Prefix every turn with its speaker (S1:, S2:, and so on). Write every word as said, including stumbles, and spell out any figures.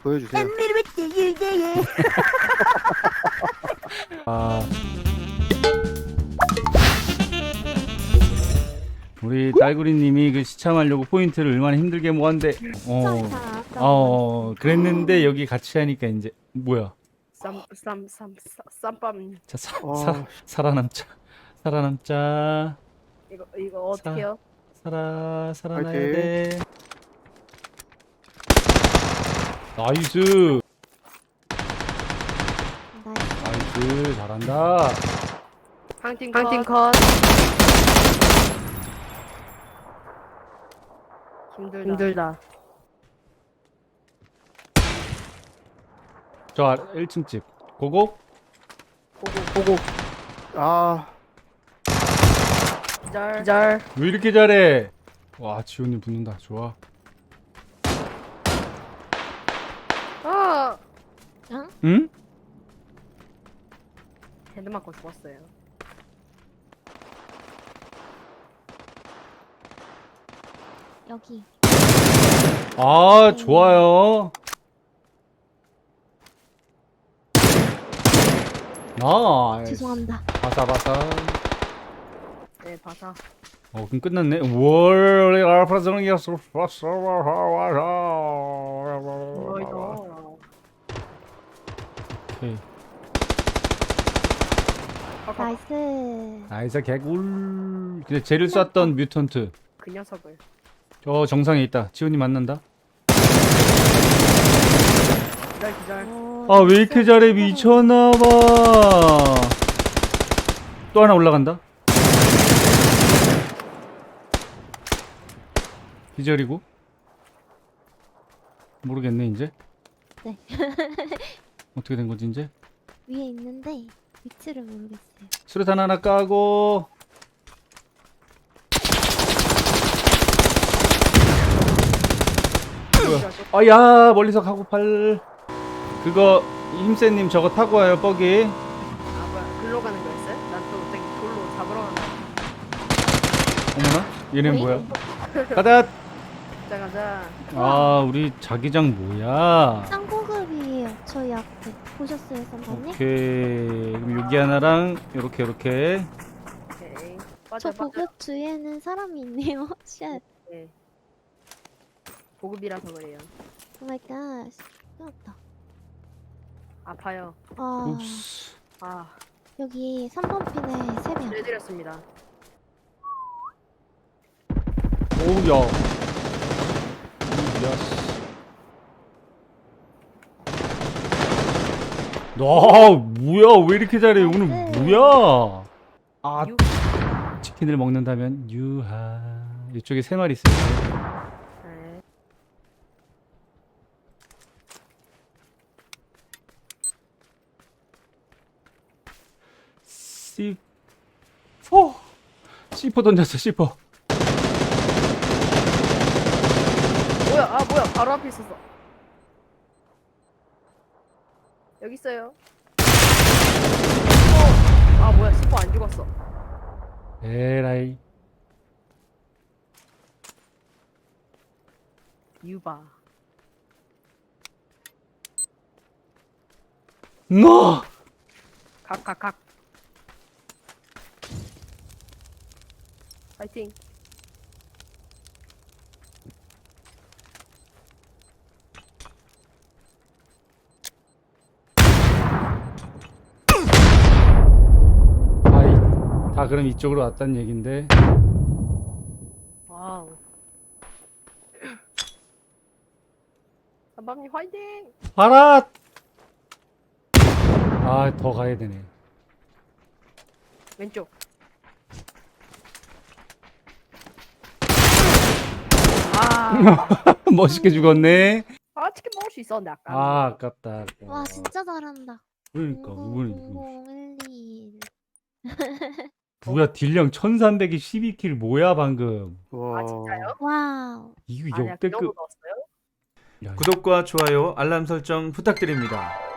S1: 보여주세요.
S2: 아, 우리 딸구리님이 그 시참하려고 포인트를 얼마나 힘들게 모았는데, 어, 어, 그랬는데 여기 같이 하니까 이제 뭐야?
S3: 쌈쌈쌈 쌈밤.
S2: 자, 사,
S1: 어.
S2: 사, 살아남자, 살아남자,
S3: 이거 이거 어떻게요?
S2: 살아, 살아나야
S1: 파이팅.
S2: 돼. 나이스, 나이스, 잘한다.
S3: 한팀 한팀 컷. 힘들다. 힘들다.
S2: 저 아래 일 층 집, 고고.
S3: 보고 보고.
S1: 아,
S3: 기절. 기절.
S2: 왜 이렇게 잘해? 와, 지훈이 붙는다. 좋아.
S3: 아.
S2: 응?
S3: 헤드 맞고 죽었어요.
S4: 여기.
S2: 아, 좋아요. 나이스.
S4: 죄송합니다.
S2: 바사바사.
S3: 네 바사.
S2: 어, 그럼 끝났네. 월 알파 정이었어.
S3: 이거.
S2: 오케이.
S4: 나이스.
S2: 나이스 개꿀. 근데 쟤를 쐈던 뮤턴트.
S3: 그 녀석을.
S2: 저 정상에 있다. 지훈이 만난다.
S3: 기절 기절.
S2: 아, 왜 이렇게 잘해? 미쳤나봐. 또 하나 올라간다. 기절이고. 모르겠네 이제.
S4: 네.
S2: 어떻게 된 거지 이제?
S4: 위에 있는데 위치를 모르겠어요.
S2: 수류탄 하나 까고. 뭐야? 아야, 멀리서 가고 팔. 그거 힘세님 저거 타고 와요. 뻐기.
S3: 아 뭐야? 글로 가는 거였어요? 난 또 되게 돌로 잡으러 간다.
S2: 어머나, 얘는
S4: 어이?
S2: 뭐야? 가자.
S3: 가자 가자.
S2: 아, 우리 자기장 뭐야?
S4: 쌍고급이에요. 저희 앞에 보셨어요, 선생님?
S2: 오케이. 그럼 여기 하나랑 요렇게 요렇게.
S3: 오케이.
S4: 저
S3: 빠져 빠져.
S4: 보급 주위에는 사람이 있네요. 쉣.
S3: 네. 보급이라서 그래요.
S4: 오 마이 갓. 끝났다.
S3: 아파요.
S4: 아,
S2: уп스.
S3: 아.
S4: 여기 삼 번 핀에 세 명.
S3: 해드렸습니다.
S2: 오우, 야. 야스. 나 뭐야? 왜 이렇게 잘해? 오늘 뭐야? 아,
S3: 유.
S2: 치킨을 먹는다면 유하. 이쪽에 세 마리 있어요.
S3: 네.
S2: 씨. 포. 씨포 던졌어. 씨포.
S3: 뭐야? 아 뭐야? 바로 앞에 있었어. 여기 있어요. 어. 아 뭐야? 시포 안 죽었어.
S2: 에라이.
S3: 유바.
S2: 너.
S3: 각각각. 파이팅.
S2: 아이. 다 그럼 이쪽으로 왔단 얘긴데.
S3: 와우. 삼밤님 화이팅!
S2: 알아. 아, 더 가야 되네.
S3: 왼쪽. 아,
S2: 멋있게 죽었네.
S3: 아 치킨 먹을 수 있었는데 아까.
S2: 아, 아깝다.
S4: 와, 진짜 잘한다.
S2: 그러니까 이번에
S4: 공공일일.
S2: 뭐야, 딜량 천삼백이 십이 킬 뭐야 방금.
S1: 와.
S3: 아 진짜요?
S4: 와우.
S2: 이거
S3: 아니야 그 정도
S2: 역대급.
S3: 넣었어요?
S2: 야,
S5: 구독과 좋아요, 알람 설정 부탁드립니다.